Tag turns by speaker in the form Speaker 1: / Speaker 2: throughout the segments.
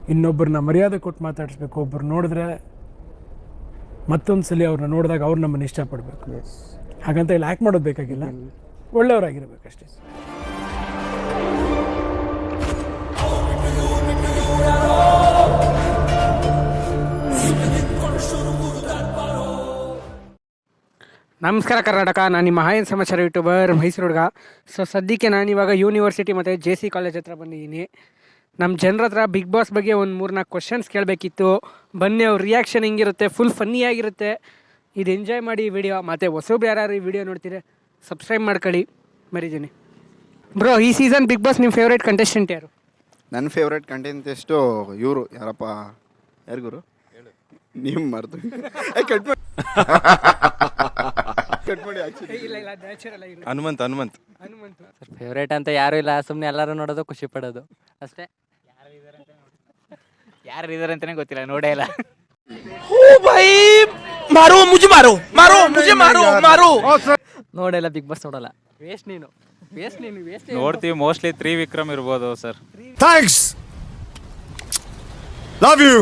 Speaker 1: ಇನ್ನೊಬ್ಬರನ್ನ ಮರ್ಯಾದೆ ಕೊಟ್ಟು ಮಾತಾಡಿಸ್ಬೇಕು. ಒಬ್ಬರು ನೋಡಿದ್ರೆ ಮತ್ತೊಂದು ಸಲ ಅವ್ರನ್ನ ನೋಡಿದಾಗ ಅವ್ರು ನಮ್ಮನ್ನು ಇಷ್ಟಪಡಬೇಕು. ಹಾಗಂತ ಇಲ್ಲಿ ಆ್ಯಕ್ಟ್ ಮಾಡೋದು ಬೇಕಾಗಿಲ್ಲ, ಒಳ್ಳೆಯವರಾಗಿರ್ಬೇಕಷ್ಟೇ. ನಮಸ್ಕಾರ ಕರ್ನಾಟಕ, ನಾನು ನಿಮ್ಮ ಹಾಯನ್ ಸಮಾಚಾರ ಯೂಟ್ಯೂಬರ್ ಮೈಸೂರು ಹುಡುಗ. ಸೊ ಸದ್ಯಕ್ಕೆ ನಾನಿವಾಗ ಯೂನಿವರ್ಸಿಟಿ ಮತ್ತು JC ಕಾಲೇಜ್ ಹತ್ರ ಬಂದಿದ್ದೀನಿ. ನಮ್ಮ ಜನರ ಹತ್ರ ಬಿಗ್ ಬಾಸ್ ಬಗ್ಗೆ ಒಂದು 3-4 ಕ್ವಶನ್ಸ್ ಕೇಳಬೇಕಿತ್ತು. ಬನ್ನಿ, ಅವ್ರ ರಿಯಾಕ್ಷನ್ ಹೆಂಗಿರುತ್ತೆ, ಫುಲ್ ಫನ್ನಿಯಾಗಿರುತ್ತೆ. ಇದು ಎಂಜಾಯ್ ಮಾಡಿ ಈ ವಿಡಿಯೋ. ಮತ್ತು ಹೊಸಬ್ರು ಯಾರು ಈ ವಿಡಿಯೋ ನೋಡ್ತೀರಿ ಸಬ್ಸ್ಕ್ರೈಬ್ ಮಾಡ್ಕೊಳ್ಳಿ ಮರಿದ್ದೀನಿ. ಬ್ರೋ, ಈ ಸೀಸನ್ ಬಿಗ್ ಬಾಸ್ ನಿಮ್ಮ ಫೇವ್ರೇಟ್ ಕಂಟೆಸ್ಟೆಂಟ್ ಯಾರು?
Speaker 2: ನನ್ನ ಫೇವ್ರೇಟ್ ಕಂಟೆಂಟೆಸ್ಟು ಇವರು ಯಾರಪ್ಪ, ಯಾರು ಗುರು ನೀವು ಮರೆತು ಹನುಮಂತ್
Speaker 3: ಫೇವ್ರೇಟ್ ಅಂತ ಯಾರು ಇಲ್ಲ, ಸುಮ್ಮನೆ ಎಲ್ಲರೂ ನೋಡೋದು, ಖುಷಿ ಪಡೋದು ಅಷ್ಟೇ. ಯಾರು ಇದಾರೆ ಅಂತಾನೆ ಗೊತ್ತಿಲ್ಲ, ನೋಡೇ ಇಲ್ಲ. ನೋಡಲ್ಲ, ಬಿಗ್ ಬಾಸ್ ನೋಡಲ್ಲ. ವೇಸ್ಟ್ ನೀನು.
Speaker 4: ನೋಡ್ತೀವಿ, ಮೋಸ್ಟ್ಲಿ ತ್ರಿವಿಕ್ರಮ್ ಇರ್ಬೋದು sir.
Speaker 5: Thanks, love you.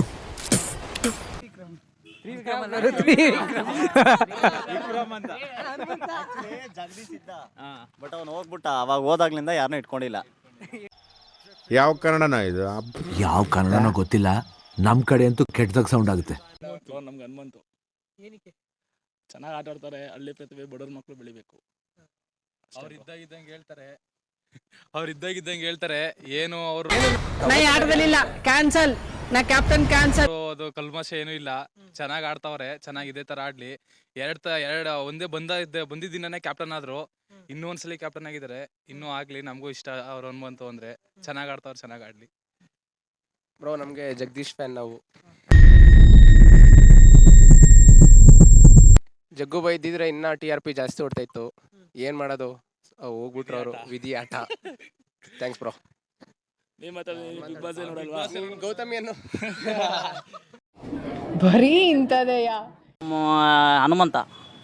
Speaker 6: But ಅವನು ಹೋಗ್ಬಿಟ್ಟ, ಅವಾಗ ಹೋದಾಗ್ಲಿಂದ ಯಾರನ್ನೂ ಇಟ್ಕೊಂಡಿಲ್ಲ.
Speaker 5: ಯಾವ ಕನ್ನಡನ ಇದು?
Speaker 7: ಯಾವ ಕನ್ನಡನೋ ಗೊತ್ತಿಲ್ಲ, ನಮ್ ಕಡೆ ಅಂತೂ ಕೆಟ್ಟದಾಗ ಸೌಂಡ್ ಆಗುತ್ತೆ.
Speaker 8: ನಮ್ಗೆ ಹನುಮಂತು ಚೆನ್ನಾಗಿ ಆಟ ಆಡ್ತಾರೆ. ಹಳ್ಳಿ ಪ್ರತಿಭೆ, ಬಡವ್ರ ಮಕ್ಕಳು ಬೆಳಿಬೇಕು. ಅವ್ರು ಇದ್ದಾಗಿದ್ದಂಗೆ ಹೇಳ್ತಾರೆ ಏನು ಅವರು
Speaker 1: ಆಟದಲ್ಲಿಲ್ಲ, ಕ್ಯಾನ್ಸಲ್, ನಾ ಕ್ಯಾಪ್ಟನ್ ಕ್ಯಾನ್ಸಲ್.
Speaker 8: ಅದು ಕಲ್ಮಶ ಏನೂ ಇಲ್ಲ, ಚೆನ್ನಾಗಿ ಆಡ್ತಾವ್ರೆ. ಚೆನ್ನಾಗಿ ಇದೇ ತರ ಆಡ್ಲಿ. ಒಂದೇ ಬಂದಿದ್ದ ದಿನನೇ ಕ್ಯಾಪ್ಟನ್ ಆದ್ರು, ಇನ್ನೂ ಒಂದ್ಸಲಿ ಕ್ಯಾಪ್ಟನ್ ಆಗಿದ್ದಾರೆ. ಇನ್ನೂ ಆಗ್ಲಿ, ನಮಗೂ ಇಷ್ಟ ಅವ್ರು ಹನುಮಂತು ಅಂದ್ರೆ. ಚೆನ್ನಾಗಿ ಆಡ್ತಾವ್ರೆ, ಚೆನ್ನಾಗಿ ಆಡ್ಲಿ.
Speaker 9: ಬ್ರೋ, ನಮಗೆ ಜಗದೀಶ್ ಫ್ಯಾನ್ ನಾವು. ಜಗ್ಗು ಬೈ ಇದ್ದಿದ್ರೆ ಇನ್ನ TRP ಜಾಸ್ತಿ ಹೊಡ್ತಾ ಇತ್ತು. ಏನ್ ಮಾಡೋದು, ಹೋಗ್ಬಿಟ್ರು ಅವರು, ವಿಧಿ ಆಟ. Thanks bro. ಗೌತಮಿಯನ್ನು
Speaker 10: ಬರೀ ಇಂಥದೆಯ.
Speaker 3: ಹನುಮಂತ.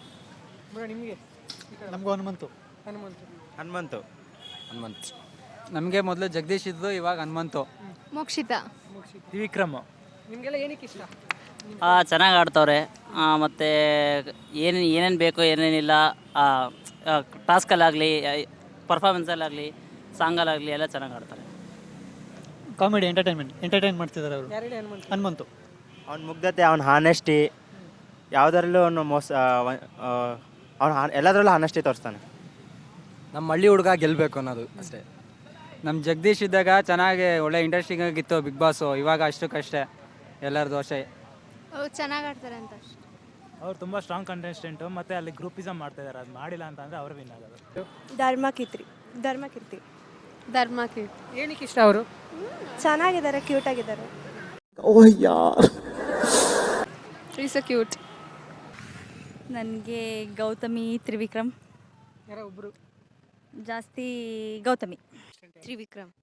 Speaker 4: ಹನುಮಂತು.
Speaker 3: ನಮಗೆ ಮೊದಲು ಜಗದೀಶ್ ಇದ್ದು, ಇವಾಗ ಹನುಮಂತು.
Speaker 10: ಮೋಕ್ಷಿತಾ.
Speaker 4: ತ್ರಿವಿಕ್ರಮ್.
Speaker 1: ನಿಮಗೆಲ್ಲ ಏನಕ್ಕೆ ಇಷ್ಟ?
Speaker 3: ಚೆನ್ನಾಗಿ ಆಡ್ತವ್ರೆ. ಮತ್ತು ಏನೇನು ಬೇಕು ಏನೇನಿಲ್ಲ, ಟಾಸ್ಕಲ್ಲಾಗಲಿ, ಪರ್ಫಾರ್ಮೆನ್ಸಲ್ಲಾಗಲಿ, ಸಾಂಗಲ್ಲಾಗಲಿ ಎಲ್ಲ ಚೆನ್ನಾಗಿ ಆಡ್ತಾರೆ.
Speaker 11: ಕಾಮಿಡಿ, ಎಂಟರ್ಟೈನ್ ಮಾಡ್ತಿದ್ದಾರೆ ಅವರು. ಹನುಮಂತು.
Speaker 6: ಅವ್ನ ಮುಗ್ಧತೆ, ಅವ್ನ ಹಾನೆಸ್ಟಿ, ಯಾವುದರಲ್ಲೂ ಅವನು ಅವ್ನು ಎಲ್ಲದರಲ್ಲೂ ಹಾನೆಸ್ಟಿ ತೋರಿಸ್ತಾನೆ.
Speaker 3: ನಮ್ಮ ಹಳ್ಳಿ ಹುಡುಗ ಗೆಲ್ಲಬೇಕು ಅನ್ನೋದು ಅಷ್ಟೇ. ನಮ್ಮ ಜಗದೀಶ್ ಇದ್ದಾಗ ಚೆನ್ನಾಗಿ ಒಳ್ಳೆ ಇಂಟ್ರೆಸ್ಟಿಂಗ್ ಆಗಿತ್ತು ಬಿಗ್ ಬಾಸು. ಇವಾಗ ಅಷ್ಟಕ್ಕಷ್ಟೇ, ಎಲ್ಲರ ದೋಷೆ.
Speaker 10: ಚೆನ್ನಾಗಿ ಆಡ್ತಾರೆ ಅಂತ.
Speaker 4: ಅವ್ರು ತುಂಬ ಸ್ಟ್ರಾಂಗ್ ಕಂಟೆಸ್ಟೆಂಟು, ಮತ್ತು ಅಲ್ಲಿ ಗ್ರೂಪಿಸಮ್ ಮಾಡ್ತಾ ಇದ್ದಾರೆ. ಅದು ಮಾಡಿಲ್ಲ ಅಂತಂದರೆ ಅವರು ವಿನ್ ಆಗೋದು.
Speaker 10: ಧರ್ಮಕೀರ್ತಿ.
Speaker 1: ಏನಕ್ಕೆ ಇಷ್ಟ ಅವರು?
Speaker 10: ಚೆನ್ನಾಗಿದ್ದಾರೆ, ಕ್ಯೂಟ್ ಆಗಿದ್ದಾರೆ. ಕ್ಯೂಟ್.
Speaker 12: ನನಗೆ ಗೌತಮಿ, ತ್ರಿವಿಕ್ರಮ್.
Speaker 1: ಯಾರೋ ಒಬ್ರು
Speaker 12: ಜಾಸ್ತಿ ಗೌತಮಿ. ತ್ರಿವಿಕ್ರಮ್.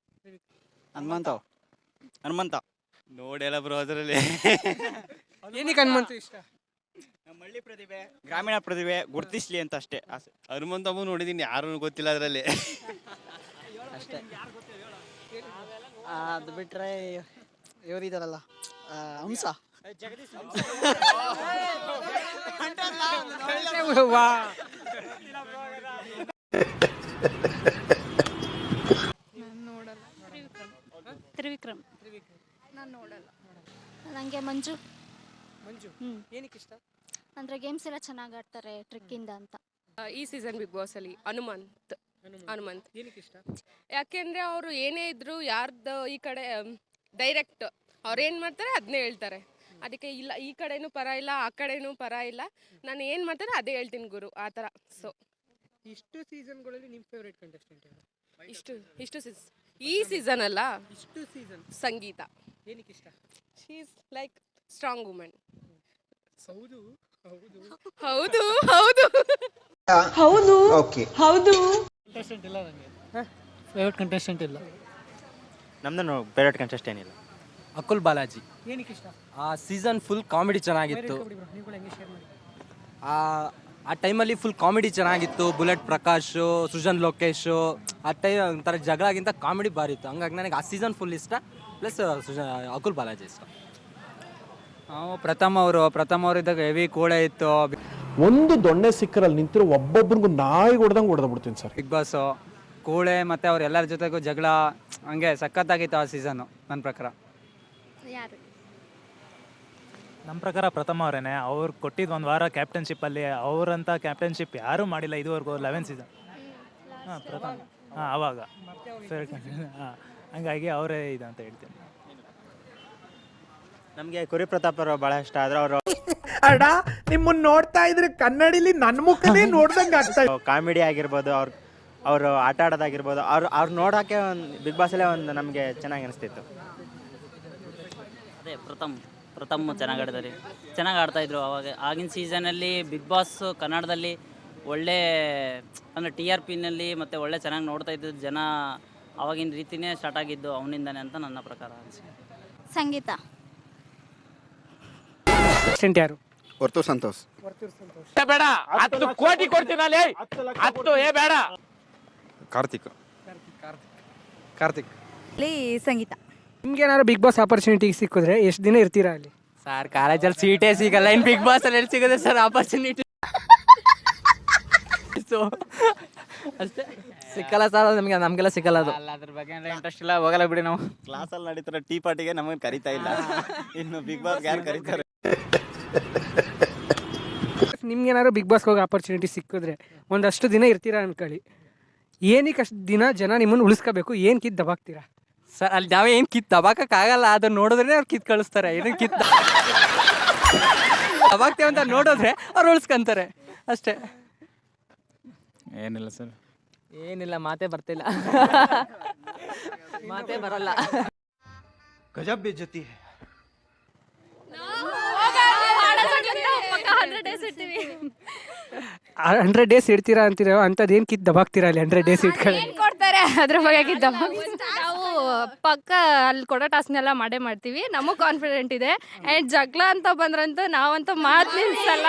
Speaker 6: ಹನುಮಂತ ನೋಡೆಲ್ಲ ಬ್ರೋ. ಅದರಲ್ಲಿ
Speaker 1: ಏನಕ್ಕೆ ಹನುಮಂತು ಇಷ್ಟ?
Speaker 6: ನಮ್ಮ ಹಳ್ಳಿ ಪ್ರತಿಭೆ, ಗ್ರಾಮೀಣ ಪ್ರತಿಭೆ ಗುರುತಿಸ್ಲಿ ಅಂತ ಅಷ್ಟೇ ಆಸೆ. ಹನುಮಂತಮ್ಮ ನೋಡಿದೀನಿ, ಯಾರು ಗೊತ್ತಿಲ್ಲ ಅದರಲ್ಲಿ
Speaker 3: ಅಷ್ಟೇ. ಅದು ಬಿಟ್ಟರೆ ಇವರಿದಾರಲ್ಲ, ಹಂಸ.
Speaker 12: ತ್ರಿವಿಕ್ರಮ್. ನಾನು ನೋಡಲ್ಲ. ನನಗೆ ಮಂಜು.
Speaker 1: ಏನಕ್ಕೆ ಇಷ್ಟ?
Speaker 12: ಅಂದರೆ ಗೇಮ್ಸ್ ಎಲ್ಲ ಚೆನ್ನಾಗಿ ಆಡ್ತಾರೆ, ಟ್ರಿಕ್ಕಿಂದ ಅಂತ.
Speaker 10: ಈ ಸೀಸನ್ ಬಿಗ್ ಬಾಸ್ ಅಲ್ಲಿ ಹನುಮಂತ್.
Speaker 1: ಏನಕ್ಕೆ ಇಷ್ಟ?
Speaker 10: ಯಾಕೆಂದ್ರೆ ಅವರು ಏನೇ ಇದ್ರು ಯಾರ್ದು ಈ ಕಡೆ ಡೈರೆಕ್ಟ್ ಅವ್ರು ಏನು ಮಾಡ್ತಾರೆ ಅದನ್ನೇ ಹೇಳ್ತಾರೆ. ಅದಕ್ಕೆ ಇಲ್ಲ ಈ ಕಡೆನೂ ಪರ ಇಲ್ಲ, ಆ ಕಡೆನೂ ಪರ ಇಲ್ಲ, ನಾನು ಏನು ಮಾಡ್ತಾರೆ ಅದೇ ಹೇಳ್ತೀನಿ ಗುರು, ಆ ಥರ. ಸೊ
Speaker 1: ಇಷ್ಟು ಸೀಸನ್ಗಳಲ್ಲಿ ನಿಮ್ಮ ಫೇವ್ರೇಟ್ ಕಂಟೆಸ್ಟೆಂಟ್ ಯಾರು?
Speaker 10: ಈ ಸೀಸನ್ ಅಲ್ಲ,
Speaker 1: ಇಷ್ಟು ಸೀಸನ್
Speaker 10: ಸಂಗೀತ.
Speaker 1: ಏನಕ್ಕೆ ಇಷ್ಟ?
Speaker 10: She is like strong women.
Speaker 1: ಹೌದು
Speaker 10: ಹೌದು ಹೌದು ಹೌದು
Speaker 11: ಹೌದು. ಕಂಟೆಸ್ಟೆಂಟ್ ಇಲ್ಲ ನನಗೆ, ಫೇವ್ರೇಟ್ ಕಂಟೆಸ್ಟೆಂಟ್ ಇಲ್ಲ.
Speaker 6: ನಮ್ದು ಫೇವ್ರೇಟ್ ಕಂಟೆಸ್ಟೆಂಟ್ ಏನಿಲ್ಲ.
Speaker 3: ಅಕುಲ್ ಬಾಲಾಜಿ.
Speaker 1: ಏನಕ್ಕೆ ಇಷ್ಟ?
Speaker 3: ಆ ಸೀಸನ್ ಫುಲ್ ಕಾಮಿಡಿ ಚೆನ್ನಾಗಿತ್ತು. ಆ ಟೈಮಲ್ಲಿ ಫುಲ್ ಕಾಮಿಡಿ ಚೆನ್ನಾಗಿತ್ತು. ಬುಲೆಟ್ ಪ್ರಕಾಶು, ಸೃಜನ್ ಲೋಕೇಶು, ಆ ಟೈಮ್ ಒಂಥರ ಜಗಳಗಿಂತ ಕಾಮಿಡಿ ಭಾರಿ ಇತ್ತು. ಹಂಗಾಗಿ ನನಗೆ ಆ ಸೀಸನ್ ಫುಲ್ ಇಷ್ಟ. ಪ್ಲಸ್ ಅಕುಲ್ ಬಾಲಾಜಿ ಇಷ್ಟ. ಪ್ರಥಮ್ ಅವರು ಇದ್ದಾಗ ಹೆವಿ ಕೂಳೆ ಇತ್ತು.
Speaker 11: ಒಂದು ದೊಣ್ಣೆ ಸಿಕ್ಕರಲ್ಲಿ ನಿಂತಿರೋ ಒಬ್ಬೊಬ್ರಿಗೂ ನಾಯಿ ಹೊಡೆದಂಗೆ ಹೊಡೆದ್ಬಿಡ್ತೀನಿ ಸರ್.
Speaker 3: ಬಿಗ್ ಬಾಸ್ ಕೂಳೆ ಮತ್ತು ಅವ್ರ ಎಲ್ಲರ ಜೊತೆಗೂ ಜಗಳ ಹಂಗೆ ಸಖತ್ತಾಗಿತ್ತು ಆ ಸೀಸನ್ನು ನನ್ನ ಪ್ರಕಾರ.
Speaker 12: ಯಾರು?
Speaker 4: ನಮ್ಮ ಪ್ರಕಾರ ಪ್ರಥಮ ಅವರೇನೆ. ಅವ್ರು ಕೊಟ್ಟಿದ್ದು ಒಂದು ವಾರ ಕ್ಯಾಪ್ಟನ್ಶಿಪ್ಪಲ್ಲಿ ಅವರಂಥ ಕ್ಯಾಪ್ಟನ್ಶಿಪ್ ಯಾರೂ ಮಾಡಿಲ್ಲ ಇದುವರೆಗೂ 11 ಸೀಸನ್. ಹಾಂ ಪ್ರಥಮ, ಹಾಂ ಆವಾಗ ಹಾಂ, ಹಂಗಾಗಿ ಅವರೇ ಇದು ಅಂತ ಹೇಳ್ತೀನಿ.
Speaker 6: ನಮಗೆ ಕುರಿ ಪ್ರತಾಪ್ ಅವರು ಭಾಳ ಇಷ್ಟ. ಆದ್ರೆ ಅವರು
Speaker 11: ಅಡ ನಿಮ್ಮನ್ನ ನೋಡ್ತಾ ಇದ್ರೆ ಕನ್ನಡಿಲಿ ನನ್ನ ಮುಖನೇ ನೋಡ್ದಂಗೆ ಆಗ್ತಾ ಇದೆ.
Speaker 6: ಕಾಮಿಡಿ ಆಗಿರ್ಬೋದು, ಅವರು ಆಟ ಆಡೋದಾಗಿರ್ಬೋದು, ಅವ್ರು ನೋಡೋಕ್ಕೆ ಒಂದು ಬಿಗ್ ಬಾಸಲ್ಲೇ ಒಂದು ನಮಗೆ ಚೆನ್ನಾಗಿ ಅನಿಸ್ತಿತ್ತು.
Speaker 13: ಅದೇ ಪ್ರಥಮ್ ಚೆನ್ನಾಗಿ ಆಡಿದ್ದಾರೆ, ಚೆನ್ನಾಗಿ ಆಡ್ತಾಯಿದ್ರು ಅವಾಗ. ಆಗಿನ ಸೀಸನಲ್ಲಿ ಬಿಗ್ ಬಾಸ್ ಕನ್ನಡದಲ್ಲಿ ಒಳ್ಳೆ ಅಂದರೆ TRPನಲ್ಲಿ ಮತ್ತು ಒಳ್ಳೆ ಚೆನ್ನಾಗಿ ನೋಡ್ತಾ ಇದ್ದಿದ್ದು ಜನ ಆವಾಗಿನ ರೀತಿಯೇ ಸ್ಟಾರ್ಟ್ ಆಗಿದ್ದು ಅವನಿಂದಾನೆ ಅಂತ ನನ್ನ ಪ್ರಕಾರ ಅನಿಸಿದೆ.
Speaker 12: ಸಂಗೀತ.
Speaker 1: ಅಸಿಸ್ಟೆಂಟ್ ಯಾರು?
Speaker 2: ವರ್ತೂರ್ ಸಂತೋಷ್.
Speaker 11: ಬೇಡ 10 ಕೋಟಿ ಕೊಡ್ತೀನಲ್ಲ 10 ಬೇಡ.
Speaker 2: ಕಾರ್ತಿಕ್.
Speaker 12: ಸಂಗೀತ.
Speaker 1: ನಿಮ್ಗೆ ಏನಾದ್ರು ಬಿಗ್ ಬಾಸ್ ಆಪರ್ಚುನಿಟಿ ಸಿಕ್ಕಿದ್ರೆ ಎಷ್ಟು ದಿನ ಇರ್ತೀರಾ ಅಲ್ಲಿ?
Speaker 3: ಸರ್ ಕಾಲೇಜಲ್ಲಿ ಸೀಟೇ ಸಿಗಲ್ಲ, ಇನ್ನು ಬಿಗ್ ಬಾಸಲ್ಲಿ ಎಲ್ಲಿ ಸಿಗುತ್ತೆ ಸರ್ ಆಪರ್ಚುನಿಟಿ? ಸೊ ಅಷ್ಟೇ, ಸಿಕ್ಕಲ್ಲ ಸರ್ ನಮಗೆಲ್ಲ ಸಿಕ್ಕಲ್ಲ ಅದು. ಅದ್ರ ಬಗ್ಗೆ ಇಂಟ್ರೆಸ್ಟ್ ಇಲ್ಲ, ಹೋಗಲ್ಲ ಬಿಡಿ ನಾವು.
Speaker 6: ಕ್ಲಾಸಲ್ಲಿ ನಡೀತಾರೆ ಟೀ ಪಾರ್ಟಿಗೆ ನಮಗೆ ಕರಿತಾ ಇಲ್ಲ, ಇನ್ನು ಬಿಗ್ ಬಾಸ್ ಯಾರು ಕರೀತಾರೆ?
Speaker 1: ನಿಮ್ಗೆ ಏನಾದ್ರು ಬಿಗ್ ಬಾಸ್ಗೆ ಹೋಗೋ ಆಪರ್ಚುನಿಟಿ ಸಿಕ್ಕಿದ್ರೆ ಒಂದಷ್ಟು ದಿನ ಇರ್ತೀರಾ ಅನ್ಕೊಳ್ಳಿ, ಏನಕ್ಕೆ ಅಷ್ಟು ದಿನ ಜನ ನಿಮ್ಮನ್ನು ಉಳಿಸ್ಕೋಬೇಕು? ಏನು ಕಿತ್ತು ದಬಾಕ್ತೀರಾ?
Speaker 3: ಸರ್ ಅಲ್ಲಿ ನಾವೇ ಏನು ಕಿತ್ತು ದಬಾಕಕ್ಕಾಗಲ್ಲ, ಅದನ್ನ ನೋಡಿದ್ರೆ ಅವ್ರು ಕಿತ್ತು ಕಳಿಸ್ತಾರೆ. ಏನಕ್ಕೆ ಕಿತ್ತು ದಬಾಕ್ತೇವೆ ಅಂತ ನೋಡಿದ್ರೆ ಅವ್ರು ಉಳಿಸ್ಕೊಂತಾರೆ ಅಷ್ಟೇ.
Speaker 8: ಏನಿಲ್ಲ ಸರ್,
Speaker 3: ಏನಿಲ್ಲ, ಮಾತೇ ಬರ್ತಿಲ್ಲ, ಮಾತೇ ಬರಲ್ಲ.
Speaker 11: ಗಜಬ್ ಬೇಜತಿ.
Speaker 1: 100 ಡೇಸ್ ಇಡ್ತೀರಾ ಅಂತೀರ, ಅಂಥದ್ದು ಏನು ಕಿತ್ತು ದಬಾಕ್ತೀರಾ ಅಲ್ಲಿ 100 ಡೇಸ್ ಇಟ್ಕೊಳ್ಳಿ?
Speaker 12: ಕೊಡ್ತಾರೆ ಅದ್ರ ಬಗ್ಗೆ ನಾವು ಪಕ್ಕ ಅಲ್ಲಿ ಕೊಡೋ ಟಾಸ್ಕ್ನೆಲ್ಲ ಮಾಡೇ ಮಾಡ್ತೀವಿ. ನಮಗ್ ಕಾನ್ಫಿಡೆಂಟ್ ಇದೆ. ಅಂಡ್ ಜಗಳ ಅಂತ ಬಂದ್ರಂತೂ ನಾವಂತೂ ಮಾತು ನಿಲ್ಸಲ್ಲ.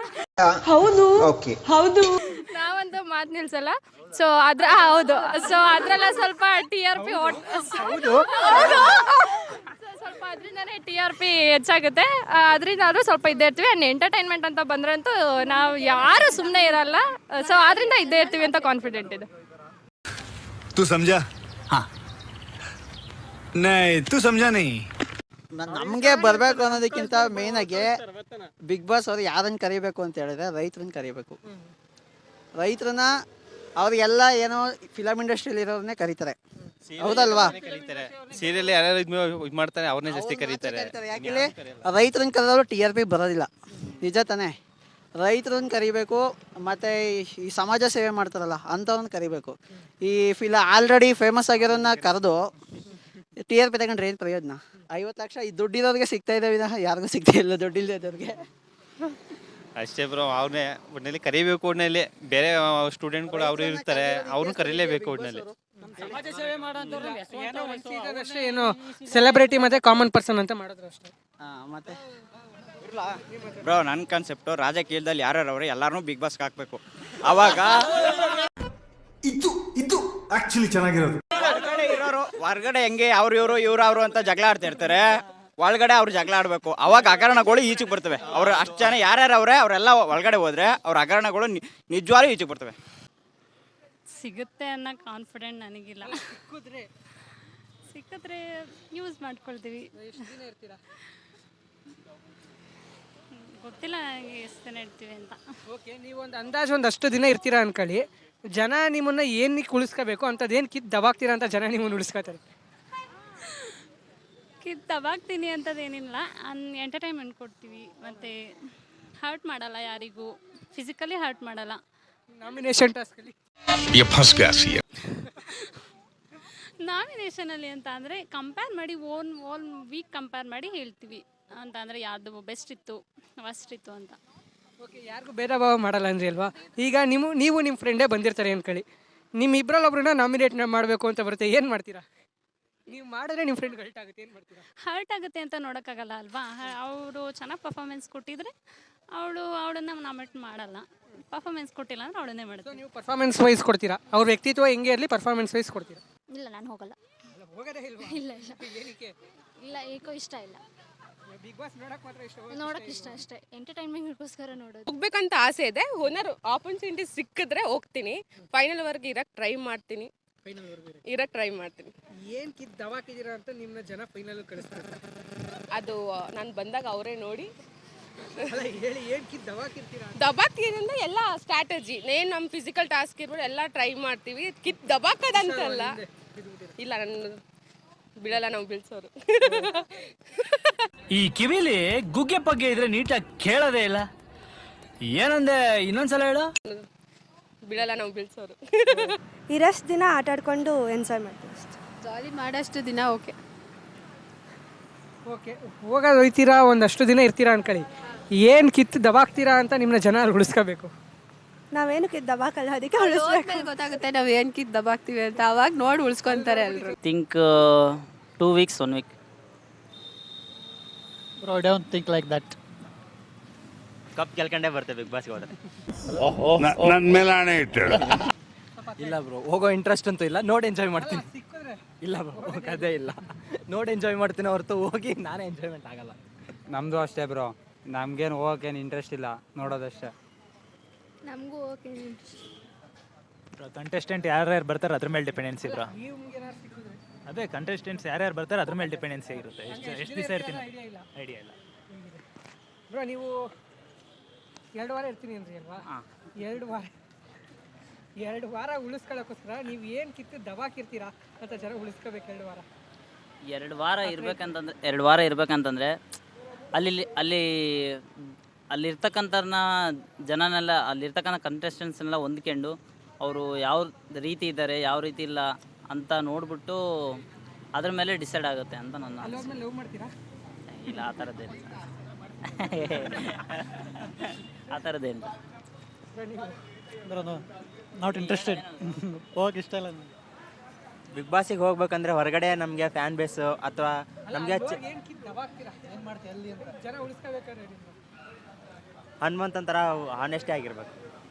Speaker 12: ನಾವಂತೂ ಮಾತು ನಿಲ್ಸಲ್ಲ. ಸೊ ಹೌದು, ಸೊ ಅದ್ರೆಲ್ಲ ಸ್ವಲ್ಪ TRP ಸ್ವಲ್ಪ ಅದರಿಂದನೇ TRP ಹೆಚ್ಚಾಗುತ್ತೆ. ಅದರಿಂದಾದ್ರೂ ಸ್ವಲ್ಪ ಇದ್ದೇ ಇರ್ತೀವಿ. ಆ್ಯಂಡ್ ಎಂಟರ್ಟೈನ್ಮೆಂಟ್ ಅಂತ ಬಂದ್ರಂತೂ ನಾವು ಯಾರು ಸುಮ್ಮನೆ ಇರಲ್ಲ. ಸೊ ಅದರಿಂದ ಇದ್ದೇ ಇರ್ತೀವಿ ಅಂತ ಕಾನ್ಫಿಡೆಂಟ್ ಇದೆ.
Speaker 5: तू समझा? हाँ नहीं तू समझा नहीं.
Speaker 3: ನಮಗೆ ಬರಬೇಕು ಅನ್ನೋದಕ್ಕಿಂತ ಮೇಯ್ನಾಗಿ ಬಿಗ್ ಬಾಸ್ ಅವ್ರು ಯಾರನ್ನು ಕರಿಬೇಕು ಅಂತ ಹೇಳಿದ್ರೆ ರೈತರನ್ನ ಕರಿಬೇಕು. ರೈತರನ್ನ ಅವ್ರಿಗೆಲ್ಲ ಏನೋ ಫಿಲಮ್ ಇಂಡಸ್ಟ್ರಿಯಲ್ಲಿ ಇರೋರನ್ನೇ ಕರೀತಾರೆ, ಹೌದಲ್ವಾ?
Speaker 6: ಸೀರಿಯಲ್ ಯಾರು ಇದು ಮಾಡ್ತಾರೆ ಅವ್ರನ್ನೇ ಜಾಸ್ತಿ ಕರೀತಾರೆ.
Speaker 3: ಯಾಕೆ ರೈತರನ್ನ ಕರೆದವರು TRP ಬರೋದಿಲ್ಲ, ನಿಜ ತಾನೇ? ರೈತರನ್ನ ಕರಿಬೇಕು, ಮತ್ತು ಈ ಸಮಾಜ ಸೇವೆ ಮಾಡ್ತಾರಲ್ಲ ಅಂಥವ್ರನ್ನ ಕರಿಬೇಕು. ಈ ಆಲ್ರೆಡಿ ಫೇಮಸ್ ಆಗಿರೋನ್ನ ಕರೆದು TRP ತಗೊಂಡ್ರೆ ಏನು ಪ್ರಯೋಜನ? 50 ಲಕ್ಷ ಈ ದುಡ್ಡಿರೋರಿಗೆ ಸಿಗ್ತಾ ಇದೆ ವಿನಃ ಯಾರಿಗೂ ಸಿಗ್ತಾ ಇಲ್ಲ, ದುಡ್ಡಿಲ್ಲದವ್ರಿಗೆ.
Speaker 6: ಅಷ್ಟೇ ಬ್ರೋ, ಅವ್ರನ್ನೇ ಒಟ್ಟಿನಲ್ಲಿ ಕರಿಬೇಕು. ಒಟ್ಟಿನಲ್ಲಿ ಬೇರೆ ಸ್ಟೂಡೆಂಟ್ ಕೂಡ ಅವರು ಇರ್ತಾರೆ, ಅವ್ರನ್ನ ಕರೀಲೇಬೇಕು ಒಟ್ಟಿನಲ್ಲಿ.
Speaker 1: ಸಮಾಜ ಸೇವೆ ಮಾಡೋಂಥವ್ರು ಅಷ್ಟೇ, ಏನು ಸೆಲೆಬ್ರಿಟಿ ಮತ್ತೆ ಕಾಮನ್ ಪರ್ಸನ್ ಅಂತ ಮಾಡಿದ್ರು ಅಷ್ಟೇ.
Speaker 3: ಮತ್ತೆ
Speaker 6: ಬ್ರೋ ನನ್ನ ಕಾನ್ಸೆಪ್ಟು ರಾಜಕೀಯದಲ್ಲಿ ಯಾರು ಅವ್ರೆ ಎಲ್ಲಾರನ್ನೂ ಬಿಗ್ ಬಾಸ್ಗೆ ಹಾಕ್ಬೇಕು. ಅವಾಗ
Speaker 5: ಇದು ಆಕ್ಚುಲಿ ಚೆನ್ನಾಗಿರೋದು.
Speaker 6: ಹೊರಗಡೆ ಇರೋರು ಹೊರಗಡೆ ಹೆಂಗೆ ಇವ್ರು ಅಂತ ಜಗಳ ಆಡ್ತಾ ಇರ್ತಾರೆ, ಒಳಗಡೆ ಅವ್ರು ಜಗಳ ಆಡಬೇಕು. ಅವಾಗ ಹಗರಣಗಳು ಈಚೆಗೆ ಬರ್ತವೆ. ಅವ್ರು ಅಷ್ಟು ಜನ ಯಾರ್ಯಾರು ಅವರೇ ಅವರೆಲ್ಲ ಒಳಗಡೆ ಹೋದ್ರೆ ಅವ್ರ ಹಗರಣಗಳು ನಿಜವಾಗ್ಲೂ ಈಚೆಗೆ ಬರ್ತವೆ.
Speaker 12: ಸಿಗುತ್ತೆ ಅನ್ನೋ ಕಾನ್ಫಿಡೆಂಟ್ ನನಗಿಲ್ಲ. ಸಿಕ್ಕಿದ್ರೆ ಯೂಸ್ ಮಾಡ್ಕೊಳ್ತೀವಿ. ಗೊತ್ತಿಲ್ಲ ಎಷ್ಟು ದಿನ ಇರ್ತೀವಿ ಅಂತ.
Speaker 1: ಓಕೆ, ನೀವು ಒಂದು ಅಂದಾಜು ಒಂದಷ್ಟು ದಿನ ಇರ್ತೀರಾ ಅನ್ಕೊಳ್ಳಿ, ಜನ ನಿಮ್ಮನ್ನ ಏನಕ್ಕೆ ಉಳಿಸ್ಕೋಬೇಕು ಅಂಥದ್ದು ಏನು ಕಿತ್ತು ದಬಾಕ್ತೀರಾ ಅಂತ ಜನ ನಿಮ್ಮನ್ನು ಉಳಿಸ್ಕೋತಾರೆ?
Speaker 12: ದಬಾಕ್ತೀನಿ ಅಂತದೇನಿಲ್ಲ, ಎಂಟರ್ಟೈನ್ಮೆಂಟ್ ಕೊಡ್ತೀವಿ, ಮತ್ತು ಹರ್ಟ್ ಮಾಡಲ್ಲ, ಯಾರಿಗೂ ಫಿಸಿಕಲಿ ಹರ್ಟ್ ಮಾಡಲ್ಲ.
Speaker 1: ನಾಮಿನೇಷನ್ ಟಾಸ್ಕಲ್ಲಿ
Speaker 12: ನಾಮಿನೇಷನಲ್ಲಿ ಅಂತ ಅಂದರೆ ಕಂಪೇರ್ ಮಾಡಿ ಓನ್ ವೀಕ್ ಕಂಪೇರ್ ಮಾಡಿ ಹೇಳ್ತೀವಿ. ಅಂತ ಅಂದರೆ ಯಾವುದು ಬೆಸ್ಟ್ ಇತ್ತು, ವರ್ಸ್ಟ್ ಇತ್ತು ಅಂತ.
Speaker 1: ಓಕೆ, ಯಾರಿಗೂ ಭೇದ ಭಾವ ಮಾಡಲ್ಲ ಅಂದ್ರಿ ಅಲ್ವಾ? ಈಗ ನೀವು ನಿಮ್ಮ ಫ್ರೆಂಡೇ ಬಂದಿರ್ತಾರೆ ಅನ್ಕೊಳ್ಳಿ, ನಿಮ್ಮ ಇಬ್ಬರಲ್ಲೊಬ್ರನ್ನ ನಾಮಿನೇಟ್ ಮಾಡಬೇಕು ಅಂತ ಬರುತ್ತೆ, ಏನು ಮಾಡ್ತೀರಾ? ನೀವು ಮಾಡಿದ್ರೆ ನಿಮ್ಮ ಫ್ರೆಂಡ್ ಹರ್ಟ್ ಆಗುತ್ತೆ, ಏನು ಮಾಡ್ತೀರಾ?
Speaker 12: ಹರ್ಟ್ ಆಗುತ್ತೆ ಅಂತ ನೋಡೋಕ್ಕಾಗಲ್ಲ ಅಲ್ವಾ? ಅವರು ಚೆನ್ನಾಗಿ ಪರ್ಫಾರ್ಮೆನ್ಸ್ ಕೊಟ್ಟಿದ್ರೆ ಅವಳನ್ನ ನಾಮಿನೇಟ್ ಮಾಡಲ್ಲ. ಪರ್ಫಾರ್ಮೆನ್ಸ್ ಕೊಟ್ಟಿಲ್ಲ ಅಂದ್ರೆ ಅವಳನ್ನೇ ಮಾಡ್ತೀವಿ.
Speaker 1: ನೀವು ಪರ್ಫಾರ್ಮೆನ್ಸ್ ವೈಸ್ ಕೊಡ್ತೀರಾ? ಅವ್ರ ವ್ಯಕ್ತಿತ್ವ ಹೆಂಗೆ ಇರಲಿ ಪರ್ಫಾರ್ಮೆನ್ಸ್ ವೈಸ್ ಕೊಡ್ತೀರಾ?
Speaker 12: ಇಲ್ಲ, ನಾನು ಹೋಗಲ್ಲ.
Speaker 1: ಹೋಗೋದೇ ಇಲ್ವಾ?
Speaker 12: ಇಲ್ಲ ಇಲ್ಲ
Speaker 1: ಏನಕ್ಕೆ?
Speaker 12: ಇಲ್ಲ ಏಕೋ ಇಷ್ಟ ಇಲ್ಲ.
Speaker 1: ಬಿಗ್ ಬಾಸ್ ನೋಡಕ್ ಮಾತ್ರ ಇಷ್ಟ,
Speaker 12: ನೋಡೋಕೆ ಇಷ್ಟ ಅಷ್ಟೇ, ಎಂಟರ್ಟೈನ್ಮೆಂಟ್ಗೋಸ್ಕರ ನೋಡೋದು.
Speaker 10: ಹೋಗ್ಬೇಕಂತ ಆಸೆ ಇದೆ. ಓನರ್ ಆಪರ್ಚುನಿಟಿ ಸಿಕ್ಕಿದ್ರೆ ಹೋಗ್ತೀನಿ. ಫೈನಲ್ ವರ್ಗೆ ಇರಕ್ಕೆ ಟ್ರೈ ಮಾಡ್ತೀನಿ.
Speaker 1: ಏನ್ ಕಿತ್ ದವಾಕಿದ್ದೀರಾ ಅಂತ ನಿಮ್ಮನ್ನ ಜನ ಫೈನಲ್ ಕಳಿಸ್ತಾರೆ?
Speaker 10: ಅದು ನಾನು ಬಂದಾಗ ಅವರೇ ನೋಡಿ
Speaker 1: ಅಲ್ಲ ಹೇಳಿ, ಏನ್ ಕಿತ್ ದವಾಕಿರ್ತೀರಾ?
Speaker 10: ದಬಾಕ್ತಿದ್ರೆ ಎಲ್ಲ ಸ್ಟ್ರಾಟಜಿ ಏನು ನಮ್ಮ ಫಿಸಿಕಲ್ ಟಾಸ್ಕ್ ಇರ್ಬೋದು ಎಲ್ಲ ಟ್ರೈ ಮಾಡ್ತೀವಿ. ದಬಾಕದಂತಲ್ಲ. ಇಲ್ಲ ನನ್ನ ಬಿಡಲ್ಲ, ನಾವು ಬೀಳ್ಸೋರು.
Speaker 6: ಈ ಕಿವಿಲಿ ಗುಗ್ಗೆ ಪಗ್ಗೆ ಇದ್ರೆ ನೀಟಾಗಿ ಕೇಳೋದೇ ಇಲ್ಲ. ಏನಂದೆ, ಇನ್ನೊಂದ್ಸಲ ಹೇಳು.
Speaker 10: ಬಿಡಲ್ಲ, ನಾವು ಬೀಳ್ಸೋರು.
Speaker 12: ಇರಷ್ಟು ದಿನ ಆಟ ಆಡ್ಕೊಂಡು ಎಂಜಾಯ್ ಮಾಡ್ತೀವಿ ಅಷ್ಟೇ.
Speaker 10: ಜಾಲಿ ಮಾಡೋಷ್ಟು ದಿನ ಓಕೆ.
Speaker 1: ಓಕೆ, ಹೋಗೋದು ಹೋಯ್ತೀರಾ, ಒಂದಷ್ಟು ದಿನ ಇರ್ತೀರಾ ಅನ್ಕೊಳ್ಳಿ. ಏನು ಕಿತ್ತು ದಬಾಕ್ತೀರಾ ಅಂತ ನಿಮ್ಮನ್ನ ಜನ ಉಳಿಸ್ಕೋಬೇಕು.
Speaker 12: ನಾವೇನಕ್ಕೆ ದಬಾಕಲ್ಲ, ಅದಕ್ಕೆ ಉಳಿಸ್ಬೇಕು.
Speaker 10: ಗೊತ್ತಾಗುತ್ತೆ ನಾವು ಏನು ಕಿತ್ತು ದಬಾಕ್ತೀವಿ ಅಂತ. ಅವಾಗ ನೋಡಿ ಉಳಿಸ್ಕೊಂತಾರೆ ಎಲ್ಲರೂ.
Speaker 13: Think 2 weeks 1 week.
Speaker 6: Bro, I don't think like that. Cup ಗೆಲ್ಕೊಂಡೇ ಬರ್ತೇವೆ ಬಿಗ್ ಬಾಸ್ಗೆ ಹೋದ್ರೆ.
Speaker 5: ನನ್ನ ಮೇಲೆ ಆಣೆ ಇಟ್ಟಳು.
Speaker 6: ಇಲ್ಲ ಬ್ರೋ, ಹೋಗೋ ಇಂಟ್ರೆಸ್ಟ್ ಅಂತೂ ಇಲ್ಲ. ನೋಡಿ ಎಂಜಾಯ್ ಮಾಡ್ತೀನಿ. ಇಲ್ಲ ಬ್ರೋ, ಅದೇ ಇಲ್ಲ. ನೋಡಿ ಎಂಜಾಯ್ ಮಾಡ್ತೀನಿ ಹೊರತು ಹೋಗಿ ನಾನೇ ಎಂಜಾಯ್ಮೆಂಟ್ ಆಗಲ್ಲ.
Speaker 4: ನಮ್ಮದು ಅಷ್ಟೇ ಬ್ರೋ, ನಮಗೇನು ಹೋಗೋಕ್ಕೇನು ಇಂಟ್ರೆಸ್ಟ್ ಇಲ್ಲ, ನೋಡೋದಷ್ಟೇ.
Speaker 12: ನಮಗೂ ಓಕೆ.
Speaker 4: ಕಂಟೆಸ್ಟೆಂಟ್ ಯಾರ್ಯಾರು ಬರ್ತಾರೆ ಅದ್ರ ಮೇಲೆ ಡಿಪೆಂಡೆನ್ಸಿ ಬ್ರೋ. ಅದೇ ಕಂಟೆಸ್ಟೆಂಟ್ಸ್ ಯಾರ್ಯಾರು ಬರ್ತಾರೆ ಅದ್ರ ಮೇಲೆ ಡಿಪೆಂಡೆನ್ಸಿ ಇರುತ್ತೆ. ಎಷ್ಟು ದಿವಸ ಇರ್ತೀನಿ ಐಡಿಯಾ ಇಲ್ಲ
Speaker 1: ಬ್ರೋ. ನೀವು 2 ವಾರ ಇರ್ತೀನಿ ಅಂದ್ರಿ ಅಲ್ವಾ? 2 ವಾರ ಉಳಿಸ್ಕೊಳ್ಳೋಕ್ಕೋಸ್ಕರ ನೀವು ಏನು ಕಿತ್ತು ದಬಾಕಿರ್ತೀರಾ ಅಂತ ಜನ ಉಳಿಸ್ಕೋಬೇಕು. 2 ವಾರ
Speaker 13: 2 ವಾರ ಇರ್ಬೇಕಂತಂದರೆ ಅಲ್ಲಿರ್ತಕ್ಕಂಥವ್ರನ್ನ ಜನನೆಲ್ಲ, ಅಲ್ಲಿರ್ತಕ್ಕಂಥ ಕಂಟೆಸ್ಟೆಂಟ್ಸ್ನೆಲ್ಲ ಹೊಂದ್ಕೊಂಡು ಅವರು ಯಾವ ರೀತಿ ಇದ್ದಾರೆ ಯಾವ ರೀತಿ ಇಲ್ಲ ಅಂತ ನೋಡ್ಬಿಟ್ಟು ಅದ್ರ ಮೇಲೆ ಡಿಸೈಡ್ ಆಗುತ್ತೆ ಅಂತ ನನ್ನ ಅನಿಸಿಕೆ.
Speaker 1: ಲವ್ ಮಾಡ್ತೀರಾ?
Speaker 13: ಇಲ್ಲ, ಆ ಥರದ್ದೇನು ಆ ಥರದ್ದೇನು
Speaker 6: ನಾಟ್ ಇಂಟ್ರೆಸ್ಟೆಡ್. ಹೋಗಕ್ಕೆ ಇಷ್ಟ ಇಲ್ಲ. ಬಿಗ್ ಬಾಸಿಗೆ ಹೋಗ್ಬೇಕಂದ್ರೆ ಹೊರಗಡೆ ನಮಗೆ ಫ್ಯಾನ್ ಬೇಸು ಅಥವಾ ನಮಗೆ
Speaker 1: ಏನು ಕಿತ್ತು ದಬಾಕ್ತೀರಾ? ಏನು ಮಾಡ್ತೀರಾ ಅಲ್ಲಿ ಅಂತ ಜನ ಉಳಿಸ್ಕೋಬೇಕಾದ್ರೆ
Speaker 6: ಹನುಮಂತನ ಥರ ಆನೆಸ್ಟೇ ಆಗಿರ್ಬೇಕು.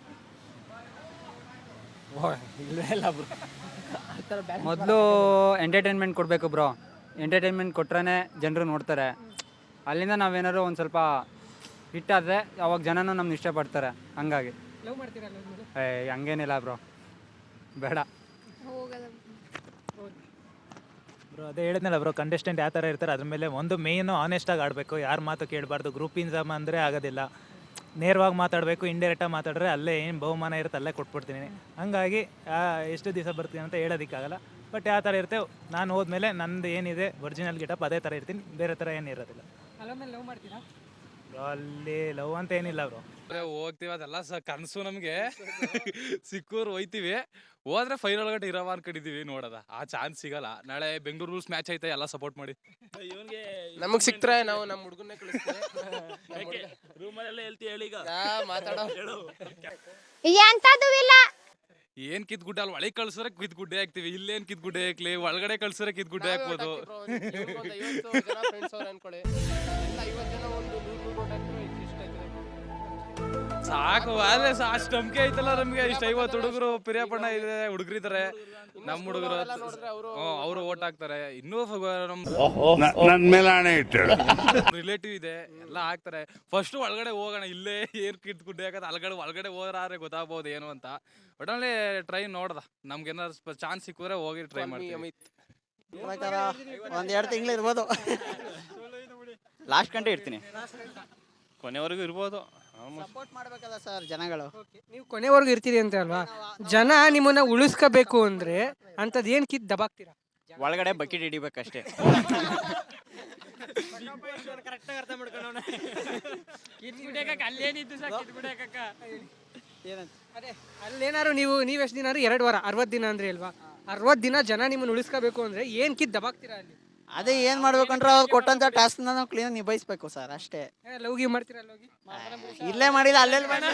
Speaker 4: ಇಲ್ಲ ಬ್ರೋ, ಮೊದಲು ಎಂಟರ್ಟೈನ್ಮೆಂಟ್ ಕೊಡಬೇಕು ಬ್ರೋ. ಎಂಟರ್ಟೈನ್ಮೆಂಟ್ ಕೊಟ್ರೆ ಜನರು ನೋಡ್ತಾರೆ. ಅಲ್ಲಿಂದ ನಾವೇನಾದ್ರು ಒಂದು ಸ್ವಲ್ಪ ಹಿಟ್ಟಾದರೆ ಅವಾಗ ಜನನೂ ನಮ್ಗೆ ಇಷ್ಟಪಡ್ತಾರೆ. ಹಂಗಾಗಿ
Speaker 1: ಲವ್ ಮಾಡ್ತೀರಾ?
Speaker 4: ಹಂಗೇನಿಲ್ಲ ಬ್ರೋ, ಬೇಡ. ಬ್ರೋ ಅದೇ ಹೇಳಿದ್ನಲ್ಲ ಬ್ರೋ, ಕಂಟೆಸ್ಟೆಂಟ್ ಯಾವ ಥರ ಇರ್ತಾರೆ ಅದ್ರ ಮೇಲೆ ಒಂದು ಮೇಯ್ನು ಆನೆಸ್ಟಾಗಿ ಆಡಬೇಕು. ಯಾರು ಮಾತು ಕೇಳಬಾರ್ದು. ಗ್ರೂಪಿಂದ ಅಂದರೆ ಆಗೋದಿಲ್ಲ. ನೇರವಾಗಿ ಮಾತಾಡಬೇಕು. ಇಂಡೈರೆಕ್ಟಾಗಿ ಮಾತಾಡಿದ್ರೆ ಅಲ್ಲೇ ಏನು ಬಹುಮಾನ ಇರುತ್ತೆ ಅಲ್ಲೇ ಕೊಟ್ಬಿಡ್ತೀನಿ. ಹಂಗಾಗಿ ಎಷ್ಟು ದಿವಸ ಬರ್ತೀನಿ ಅಂತ ಹೇಳೋದಕ್ಕಾಗಲ್ಲ. ಬಟ್ ಯಾವ ಥರ ಇರುತ್ತೆ, ನಾನು ಹೋದ್ಮೇಲೆ ನಂದು ಏನಿದೆ ಒರಿಜಿನಲ್ ಗೆಟಪ್ ಅದೇ ಥರ ಇರ್ತೀನಿ, ಬೇರೆ ಥರ ಏನು ಇರೋದಿಲ್ಲ.
Speaker 1: ಲವ್ ಮಾಡ್ತೀರಾ?
Speaker 4: ಅಲ್ಲಿ ಲವ್ ಅಂತ ಏನಿಲ್ಲ ಬ್ರೋ.
Speaker 8: ಹೋಗ್ತೀವಿ, ಅದೆಲ್ಲ ಕನಸು ನಮಗೆ. ಸಿಕ್ಕೂರು ಹೋಯ್ತೀವಿ, ಹೋದ್ರೆ ಫೈನಲ್ ಗಂಟೆ ಇರವ ಅನ್ಕೊಂಡಿದೀವಿ. ನೋಡೋದ ಆ ಚಾನ್ಸ್ ಸಿಗಲ್ಲ. ನಾಳೆ ಬೆಂಗಳೂರು ರೂಲ್ಸ್ ಮ್ಯಾಚ್ ಐತೆ, ಎಲ್ಲ ಸಪೋರ್ಟ್ ಮಾಡಿ.
Speaker 9: ನಮಗೆ ಸಿಕ್ತರೆ ನಾವು ನಮ್ಮ ಹುಡುಗನ್ನೇ ಕಳಿಸ್ತೀವಿ.
Speaker 6: ರೂಮಲ್ಲೆಲ್ಲ ಹೇಳ್ತೀವಿ. ಹೇಳಿ ಈಗ
Speaker 9: ಮಾತಾಡೋ
Speaker 8: ಏನ್ ಕಿತ್ ಗುಡ್ಡೆ ಅಲ್ಲಿ ಒಳಗೆ ಕಳ್ಸಿದ್ರೆ ಕಿತ್ ಗುಡ್ಡೆ ಹಾಕ್ತಿವಿ. ಇಲ್ಲೇನ್ ಕಿತ್ ಗುಡ್ಡೆ ಹಾಕ್ಲಿ, ಒಳಗಡೆ ಕಳ್ಸಿದ್ರೆ ಕಿತ್ ಗುಡ್ಡೆ ಹಾಕ್ಬೋದು. ಸಾಕು, ಆದ್ರೆ ಅಷ್ಟು ನಂಬಿಕೆ ಐತಲ್ಲ ನಮ್ಗೆ. ಇಷ್ಟ 50 ಹುಡುಗರು ಪಿರಿಯಾಪಣ್ಣ ಇದೆ, ಹುಡುಗರಿದ್ದಾರೆ. ನಮ್ಮ ಹುಡುಗರು ಅವರು ಓಟ್ ಹಾಕ್ತಾರೆ. ಇನ್ನೂ
Speaker 5: ನನ್ನ ಮೇಲೆ ಆಣೆ ಇಟ್ಟಳು.
Speaker 8: ರಿಲೇಟಿವ್ ಇದೆ, ಎಲ್ಲ ಹಾಕ್ತಾರೆ. ಫಸ್ಟ್ ಒಳಗಡೆ ಹೋಗೋಣ, ಇಲ್ಲೇ ಏನ್ ಕಿತ್ ಗುಡ್ಡೆ ಹಾಕತ್ತೆ ಒಳಗಡೆ ಹೋದ್ರೆ ಗೊತ್ತಾಗ್ಬೋದು ಏನು ಅಂತ. ಒಟ್ಟಲ್ಲಿ ಟ್ರೈ ನೋಡ್ದ, ನಮ್ಗೆ ಏನಾದ್ರು ಚಾನ್ಸ್ ಸಿಕ್ಕಿದ್ರೆ ಹೋಗಿ ಟ್ರೈ ಮಾಡ್ತೀವಿ.
Speaker 3: ಒಂದು 2 ತಿಂಗಳು ಇರ್ಬೋದು.
Speaker 6: ಲಾಸ್ಟ್ ಗಂಟೆ ಇರ್ತೀನಿ, ಕೊನೆವರೆಗೂ ಇರ್ಬೋದು.
Speaker 3: ಸಪೋರ್ಟ್ ಮಾಡ್ಬೇಕಲ್ಲ ಸರ್ ಜನಗಳು.
Speaker 1: ನೀವು ಕೊನೆವರೆಗೂ ಇರ್ತೀರಿ ಅಂತ ಅಲ್ವಾ? ಜನ ನಿಮ್ಮನ್ನ ಉಳಿಸ್ಕೋಬೇಕು ಅಂದ್ರೆ ಅಂಥದ್ದು ಏನು ಕಿತ್ತು ದಬಾಕ್ತೀರಾ?
Speaker 6: ಒಳಗಡೆ ಬಕೆಟ್ ಹಿಡಿಬೇಕಷ್ಟೇ.
Speaker 1: ಅದೇ ಅಲ್ಲೇನಾರು ನೀವು ಎಷ್ಟು ದಿನ 2 ವಾರ 60 ದಿನ ಅಂದ್ರೆ ಅಲ್ವಾ? 60 ದಿನ ಜನ ನಿಮ್ಮನ್ನ ಉಳಿಸ್ಕೋಬೇಕು ಅಂದ್ರೆ ಏನು ಕಿತ್ತು ದಬಾಕ್ತೀರಾ ಅಲ್ಲಿ?
Speaker 3: ಅದೇ ಏನು ಮಾಡ್ಬೇಕಂದ್ರೆ ಅವ್ರು ಕೊಟ್ಟಂತ ಟಾಸ್ಕ್ನ ನಾವು ಕ್ಲೀನ್ ನಿಭಾಯಿಸ್ಬೇಕು ಸರ್, ಅಷ್ಟೇ.
Speaker 1: ಲವ್ಗಿ ಮಾಡ್ತೀರಾ? ಹೋಗಿ
Speaker 3: ಇಲ್ಲೇ ಮಾಡಿಲ್ಲ, ಅಲ್ಲೆಲ್ಲಿ ಮಾಡಿ.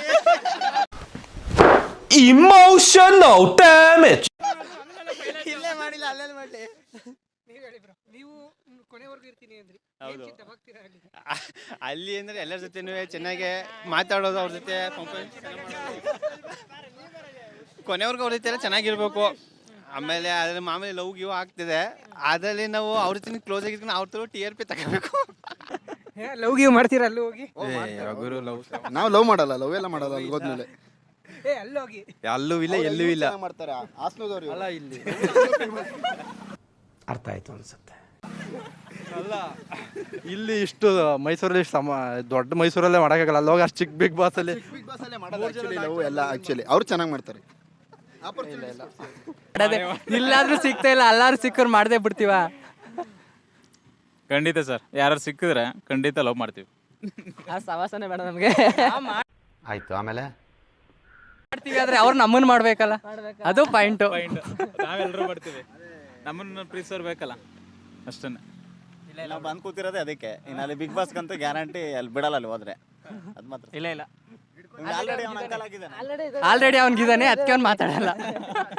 Speaker 7: Emotional damage.
Speaker 3: ಇಲ್ಲೇ ಮಾಡಿಲ್ಲ, ಅಲ್ಲೆಲ್ಲಿ ಮಾಡಲಿ.
Speaker 1: ನೀವು ಹೇಳಿ ಬ್ರೋ, ನೀವು ಕೊನೆವರೆಗೂ ಇರ್ತೀನಿ ಅಂದ್ರಿ.
Speaker 6: ಹೌದು.
Speaker 1: ದಬಾಕ್ತೀರಾ ಅಲ್ಲಿ?
Speaker 6: ಅಲ್ಲಿ ಅಂದ್ರೆ ಎಲ್ಲರ ಜೊತೆನೂ ಚೆನ್ನಾಗಿ ಮಾತಾಡೋದು, ಅವ್ರ ಜೊತೆ ಕೊನೆವರೆಗೂ ಅವ್ರ ಜೊತೆ ಎಲ್ಲ ಚೆನ್ನಾಗಿರ್ಬೇಕು. ಆಮೇಲೆ ಅದ್ರಲ್ಲಿ ಮಾಮೂಲಿ ಲವ್ ಗಿವ್ ಆಗ್ತಿದೆ, ಅದರಲ್ಲಿ ನಾವು ಅವ್ರ ಜೊತೆ ಕ್ಲೋಸ್ ಆಗಿದ್ಕೊಂಡು ಅವ್ರ ತರ TRP ತಗೋಬೇಕು.
Speaker 1: ಲವ್ ಗಿವ್ ಮಾಡ್ತೀರಾ ಅಲ್ಲಿ ಹೋಗಿ?
Speaker 2: ನಾವು ಲವ್ ಮಾಡಲ್ಲ, ಲವ್ ಎಲ್ಲ ಮಾಡಲ್ಲ ಅಲ್ಲಿ ಹೋದ್ಮೇಲೆ.
Speaker 1: ಅಲ್ಲಿ ಹೋಗಿ
Speaker 6: ಅಲ್ಲೂ ಇಲ್ಲ ಎಲ್ಲೂ ಇಲ್ಲ
Speaker 2: ಮಾಡ್ತಾರೆ ಹಾಸನದವ್ರು
Speaker 6: ಅಲ್ಲ ಇಲ್ಲಿ
Speaker 11: ಅರ್ಥ ಆಯ್ತು ಅನ್ಸುತ್ತೆ.
Speaker 6: ಅಲ್ಲ ಇಲ್ಲಿ ಇಷ್ಟು ಮೈಸೂರಲ್ಲಿ ದೊಡ್ಡ ಮೈಸೂರಲ್ಲೇ ಮಾಡೋಕ್ಕಾಗಲ್ಲ, ಅಲ್ಲಿ ಹೋಗಿ ಅಷ್ಟು ಚಿಕ್ಕ ಬಿಗ್ ಬಾಸ್ ಅಲ್ಲಿ
Speaker 2: ಬಿಗ್ ಬಾಸ್ ಅಲ್ಲೇ ಮಾಡೋದು ಆಕ್ಚುಲಿ ಲವ್ ಎಲ್ಲ. ಆಕ್ಚುಲಿ ಅವ್ರು ಚೆನ್ನಾಗಿ ಮಾಡ್ತಾರೆ.
Speaker 3: ಇಲ್ಲಾದ್ರೂ ಸಿಗ್ತಾ ಇಲ್ಲ, ಎಲ್ಲಾರು ಸಿಕ್ಕರು ಮಾಡದೆ ಬಿಡ್ತೀವ.
Speaker 4: ಖಂಡಿತ ಸರ್, ಯಾರು ಸಿಕ್ಕಿದ್ರೆ ಖಂಡಿತ ಲವ್ ಮಾಡ್ತೀವಿ.
Speaker 3: ಆ ಸವಾಸನೆ ಬೇಡ ನಮಗೆ.
Speaker 7: ಆಯ್ತು, ಆಮೇಲೆ
Speaker 3: ಮಾಡ್ತೀವಿ ಆದ್ರೆ ಅವ್ರು ನಮ್ಮನ್ನ ಮಾಡ್ಬೇಕಲ್ಲ, ಅದು ಪಾಯಿಂಟು.
Speaker 4: ನಾವೆಲ್ಲರೂ ಮಾಡ್ತೀವಿ, ನಮ್ಮನ್ನ ಪ್ರೀತಿಸೋರು ಬೇಕಲ್ಲ, ಅಷ್ಟೇ.
Speaker 6: ನಾವು ಬಂದು ಕೂತಿರೋದೇ ಅದಕ್ಕೆ. ಇನ್ನು ಅಲ್ಲಿ ಬಿಗ್ ಬಾಸ್ಗಂತೂ ಗ್ಯಾರಂಟಿ ಅಲ್ಲಿ ಬಿಡಲ್ಲ, ಅಲ್ಲಿ ಹೋದ್ರೆ ಅದು ಮಾತ್ರ.
Speaker 3: ಇಲ್ಲ
Speaker 6: ಆಲ್ರೆಡಿ ಅವ್ನ ಅಂಕಲ್ ಆಗಿದ್ದಾನೆ.
Speaker 3: ಆಲ್ರೆಡಿ ಅವ್ನಿಗಿದಾನೆ, ಅದಕ್ಕೆ ಅವ್ನು ಮಾತಾಡಲ್ಲ.